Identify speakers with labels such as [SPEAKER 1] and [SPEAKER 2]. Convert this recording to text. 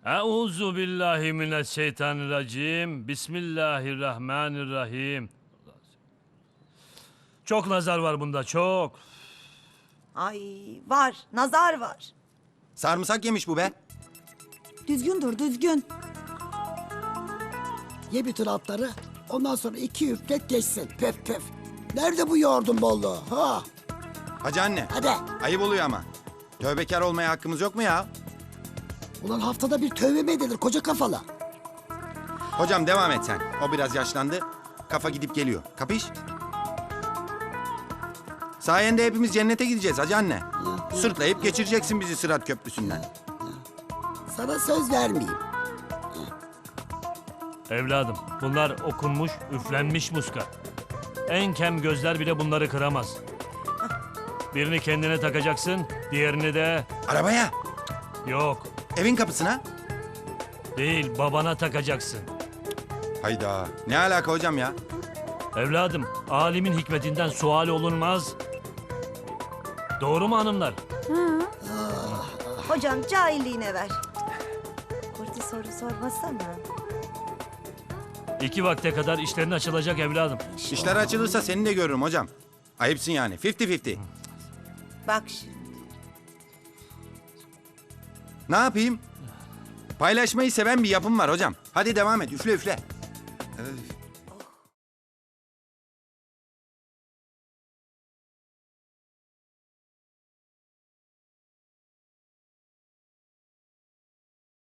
[SPEAKER 1] Euzu billahi mineşşeytanirracim. Bismillahirrahmanirrahim. Çok nazar var bunda, çok.
[SPEAKER 2] Ay var, nazar var.
[SPEAKER 3] Sarımsak yemiş bu be.
[SPEAKER 2] Düzgün dur, düzgün.
[SPEAKER 4] Ye bütün altları. Ondan sonra 2 üflet geçsin. Pöf pöf. Nerede bu yoğurdun bolluğu? Ha?
[SPEAKER 3] Hacı anne.
[SPEAKER 4] Hadi.
[SPEAKER 3] Ayıp oluyor ama. Tövbekar olmaya hakkımız yok mu ya?
[SPEAKER 4] Ulan haftada bir tövbe mi edilir koca kafalı?
[SPEAKER 3] Hocam devam et sen. O biraz yaşlandı. Kafa gidip geliyor. Kapış? Sayende hepimiz cennete gideceğiz hacı anne. Sırtlayıp geçireceksin bizi Sırat Köprüsü'nden.
[SPEAKER 4] Sana söz vermeyeyim.
[SPEAKER 1] Evladım, bunlar okunmuş, üflenmiş muska. En kem gözler bile bunları kıramaz. Birini kendine takacaksın, diğerini de...
[SPEAKER 3] Arabaya.
[SPEAKER 1] Yok,
[SPEAKER 3] Evin kapısına.
[SPEAKER 1] değil, babana takacaksın.
[SPEAKER 3] Hayda. Ne alaka hocam ya?
[SPEAKER 1] Evladım, alimin hikmetinden sual olunmaz. Doğru mu hanımlar?
[SPEAKER 2] Hocam cahilliğine ver. Kurti soru sormasana.
[SPEAKER 1] 2 vakte kadar işlerin açılacak evladım.
[SPEAKER 3] İşler açılırsa seni de görürüm hocam. Ayıpsın yani. 50-50.
[SPEAKER 2] Bak şimdi.
[SPEAKER 3] Ne yapayım? Paylaşmayı seven bir yapım var hocam. Hadi devam et. Üfle üfle. Öf.